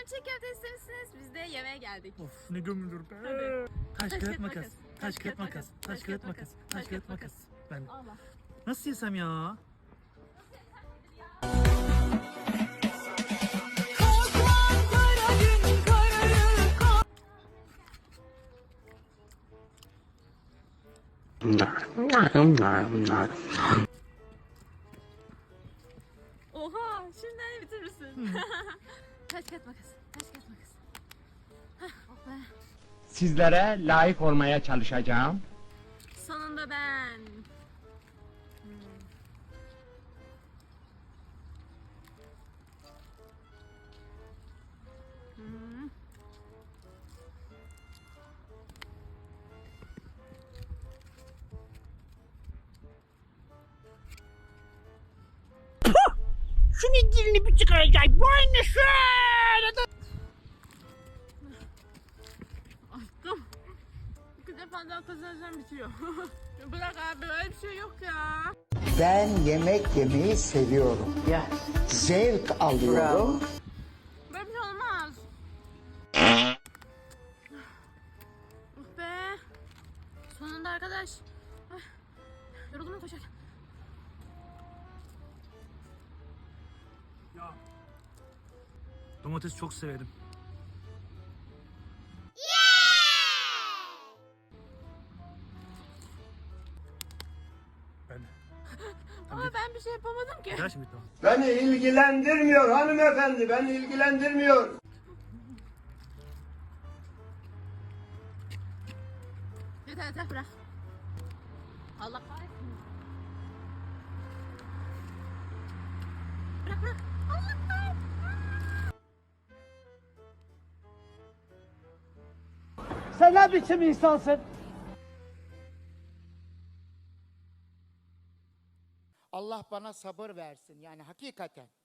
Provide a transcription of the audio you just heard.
çiğ köfte istemişsiniz. Biz de yemeğe geldik. Of ne gömülür be. Hadi. Taş kağıt makas. Taş kağıt makas. Taş kağıt makas. Taş kağıt makas. Ben Allah. nasıl yesem ya? Oha, şimdiden bitirirsin. Taş kağıt makas. Taş kağıt makas. Hah, oh be. Sizlere layık olmaya çalışacağım. Sonunda ben. Şunun dilini bir çıkaracak. Bu aynı şöyle. Açtım. İki defa daha kazanırsam bitiyor. Bırak abi, böyle bir şey yok ya. Ben yemek yemeyi seviyorum. Zevk alıyorum. Böyle bir şey olmaz. Oh be. Sonunda arkadaş. Ay, yoruldum mu koşarken? Ya. Domates çok severim. Ben. Ama ben bir şey yapamadım ki. Gel şimdi tamam. Beni ilgilendirmiyor hanımefendi, beni ilgilendirmiyor. Yeter yeter, bırak. Allah kahretsin. Bırak bırak. Allah kahretsin. Sen ne biçim insansın? Allah bana sabır versin yani hakikaten.